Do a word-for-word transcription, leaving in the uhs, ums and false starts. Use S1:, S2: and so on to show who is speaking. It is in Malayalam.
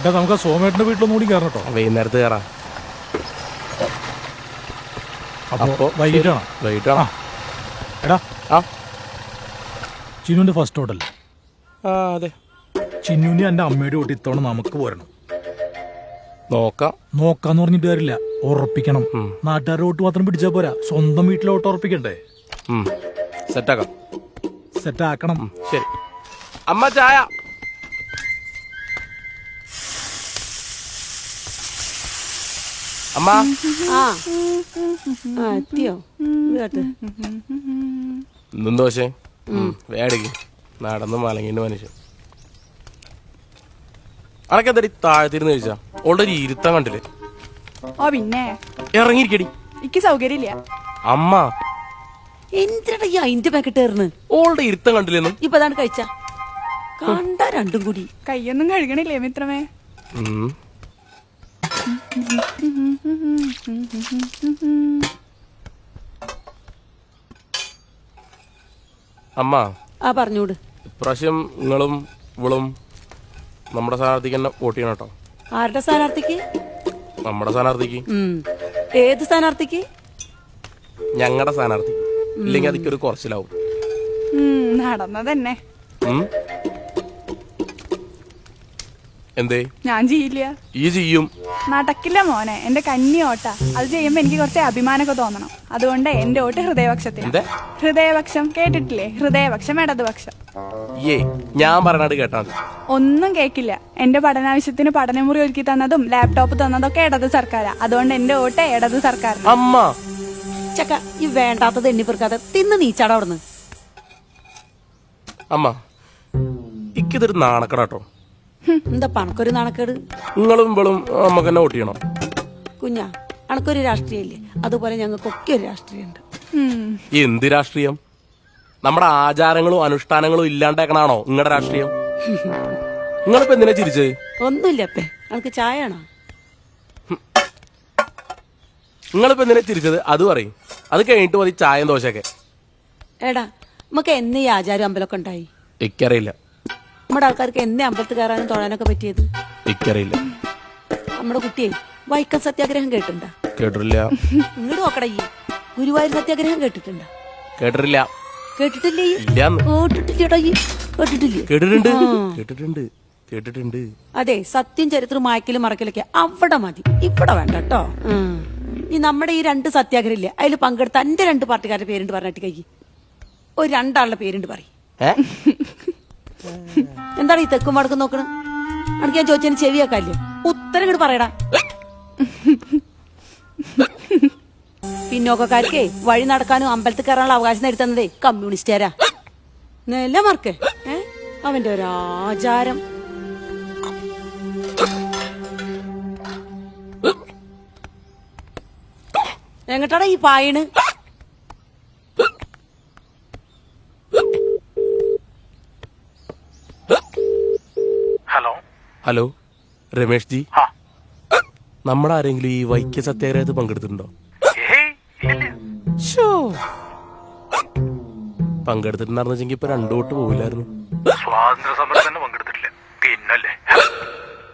S1: നമുക്ക് സോമേട്ടന്റെ വീട്ടിലൊന്നും കൂടി കയറണം കേട്ടോ.
S2: വൈകുന്നേരത്ത് കയറാം.
S1: അപ്പോ വൈകിട്ടാണോ?
S2: വൈകിട്ടാണോ?
S1: എടാ
S2: ആ
S1: ചിന്നുവിന്റെ ഫസ്റ്റ് ഹോട്ടൽ.
S2: ആ അതെ.
S1: ചിന്നുവിനെ എന്റെ അമ്മയുടെ കൂട്ടി ഇത്തവണ നമുക്ക് പോരണം.
S2: നോക്കാം.
S1: നോക്കാന്ന് പറഞ്ഞിട്ട് കാര്യമില്ല, ഉറപ്പിക്കണം. നാട്ടുകാരുടെ വോട്ട് മാത്രം പിടിച്ചാ പോരാ, സ്വന്തം വീട്ടിലെ വോട്ട് ഉറപ്പിക്കണ്ടേ?
S2: സെറ്റാക്കാം.
S1: സെറ്റാക്കണം.
S2: ശരി അമ്മ, ചായ. അമ്മ
S3: എത്തിയോ?
S2: ഇന്നും ദോശ വേടിക്ക്. നടന്ന് മലങ്ങിന്റെ മനുഷ്യൻ. അനക്കെന്തടി താഴത്തിരുന്ന് കഴിച്ചാ? ഓൾറെഡി ഇരുത്തം കണ്ടില്ലേ?
S4: ഓ പിന്നെ
S2: ഇറങ്ങിയിരിക്കടി.
S4: എനിക്ക് സൗകര്യമില്ല.
S2: അമ്മ
S3: എന്തിനാ ഈ അയിന്റെ പാക്കറ്റ് ഏറുന്നു?
S2: ഓളുടെ ഇരുത്തം കണ്ടില്ലെന്നും.
S3: ഇപ്പൊ അതാണ് കഴിച്ച കണ്ട രണ്ടും കൂടി.
S4: കയ്യൊന്നും കഴുകണില്ലേ മിത്രമേ?
S2: അമ്മ
S3: ആ പറഞ്ഞൂട്.
S2: ഇപ്രാവശ്യം നിങ്ങളും ഇവളും നമ്മുടെ സ്ഥാനാർത്ഥിക്ക് തന്നെ വോട്ട് ചെയ്യണം കേട്ടോ.
S3: ആരുടെ സ്ഥാനാർത്ഥിക്ക്?
S2: നമ്മുടെ സ്ഥാനാർത്ഥിക്ക്.
S3: ഏത് സ്ഥാനാർത്ഥിക്ക്?
S2: ഞങ്ങളുടെ സ്ഥാനാർത്ഥി. ഇല്ലെങ്കിൽ അതിക്കൊരു കുറച്ചിലാവും.
S4: നടന്നതന്നെ.
S2: എന്തേ?
S4: ഞാൻ ചെയ്യില്ല.
S2: ഈ ചെയ്യും.
S4: നടക്കില്ല മോനെ, എന്റെ കന്നി ഓട്ട. അത് ചെയ്യുമ്പോ എനിക്ക് കുറച്ച് അഭിമാനമൊക്കെ തോന്നണം. അതുകൊണ്ട് എന്റെ വോട്ട് ഹൃദയപക്ഷത്തിന്. ഹൃദയപക്ഷം കേട്ടിട്ടില്ലേ? ഹൃദയപക്ഷം ഇടതുപക്ഷം.
S2: ഏ ഞാൻ പറഞ്ഞത് കേട്ടാ മതി.
S4: ഒന്നും കേക്കില്ല. എന്റെ പഠനാവശ്യത്തിന് പഠനമുറി ഒരുക്കി തന്നതും ലാപ്ടോപ്പ് തന്നതൊക്കെ ഇടത് സർക്കാരാ. അതുകൊണ്ട് എന്റെ വോട്ട് ഇടത് സർക്കാർ.
S2: അമ്മ
S3: ചക്ക ഈ വേണ്ടാത്തത് എണ്ണി പെറുക്കാതെ തിന്ന് നീച്ചാടാ അവിടുന്ന്.
S2: അമ്മ ഇക്കിതൊരു നാണക്കടാട്ടോ.
S3: എന്താ പണക്കൊരു നാണക്കേട്?
S2: നിങ്ങളും ഇവളും നമുക്ക് തന്നെ വോട്ട് ചെയ്യണം.
S3: കുഞ്ഞാ അണക്കൊരു രാഷ്ട്രീയല്ലേ, അതുപോലെ ഞങ്ങൾക്കൊക്കെ ഒരു രാഷ്ട്രീയമുണ്ട്.
S2: എന്ത് രാഷ്ട്രീയം? നമ്മുടെ ആചാരങ്ങളും അനുഷ്ഠാനങ്ങളും ഇല്ലാണ്ടാക്കണാണോ നിങ്ങളുടെ രാഷ്ട്രീയം? നിങ്ങളിപ്പോ എന്തിനാ ചിരിച്ചത്?
S3: ഒന്നുമില്ല അപ്പേ, നമുക്ക് ചായ ആണോ?
S2: നിങ്ങളിപ്പോ എന്തിനാ ചിരിച്ചത് അത് പറയും. അത് കഴിഞ്ഞിട്ട് മതി ചായം ദോശയൊക്കെ.
S3: എടാ നമുക്ക് എന്നേ ഈ ആചാരം അമ്പലമൊക്കെ ഉണ്ടായി?
S2: എനിക്കറിയില്ല.
S3: നമ്മുടെ ആൾക്കാർക്ക് എന്നേ അമ്പലത്തിൽ കയറാനും തൊഴാനൊക്കെ പറ്റിയത്?
S2: എനിക്കറിയില്ല.
S3: നമ്മുടെ കുട്ടിയെ വൈക്കം സത്യാഗ്രഹം കേട്ടിട്ടുണ്ടാ?
S2: കേട്ടിട്ടില്ല.
S3: ഇങ്ങോട്ട് നോക്കടാ. ഈ ഗുരുവായൂർ സത്യാഗ്രഹം കേട്ടിട്ടുണ്ടാ?
S2: കേട്ടിട്ടില്ല.
S3: കേട്ടിട്ടില്ലേ?
S2: കേട്ടിട്ടില്ല.
S3: കേട്ടിട്ടില്ലേടാ? കേട്ടിട്ടില്ലേ?
S2: കേട്ടിട്ടുണ്ട് കേട്ടിട്ടുണ്ട് കേട്ടിട്ടുണ്ട്.
S3: അതെ, സത്യം ചരിത്രം മായ്ക്കലും മറക്കലൊക്കെ അവിടെ മതി, ഇവിടെ വേണ്ട കേട്ടോ. ഈ നമ്മുടെ ഈ രണ്ട് സത്യാഗ്രഹം ഇല്ലേ, അതിൽ പങ്കെടുത്ത എന്റെ രണ്ട് പാർട്ടിക്കാരുടെ പേരുണ്ട് പറഞ്ഞിട്ട് കൈ ഒരു രണ്ടാളുടെ പേരുണ്ട് പറയും. എന്താണ് ഈ തെക്കും വടക്കും നോക്കണം? അനക്ക് ഞാൻ ചോദിച്ചതിന് ചെവിയാക്കാല്ലേ? ഉത്തരം ഇങ്ങോട്ട് പറയടാ. പിന്നോക്കക്കാർക്കേ വഴി നടക്കാനും അമ്പലത്തിൽ കയറാനുള്ള അവകാശം നേടിത്തന്നതേ കമ്മ്യൂണിസ്റ്റുകാരാ. നെല്ല മാർക്കേ ഏ അവന്റെ ഒരു ആചാരം. എങ്ങട്ടാടാ ഈ പായണ്?
S5: ഹലോ
S2: ഹലോ രമേഷ് ജി, നമ്മുടെ ആരെങ്കിലും ഈ വൈക്യ സത്യാഗ്രഹത്തിൽ പങ്കെടുത്തിട്ടുണ്ടോ?
S5: സ്വാതന്ത്ര്യ
S2: പങ്കെടുത്തിട്ടുണ്ടായിരുന്നെങ്കിൽ ഇപ്പൊ രണ്ടു വോട്ട് പോവില്ലായിരുന്നു.
S5: സമരത്തിൽ തന്നെ പങ്കെടുത്തിട്ടുണ്ട്.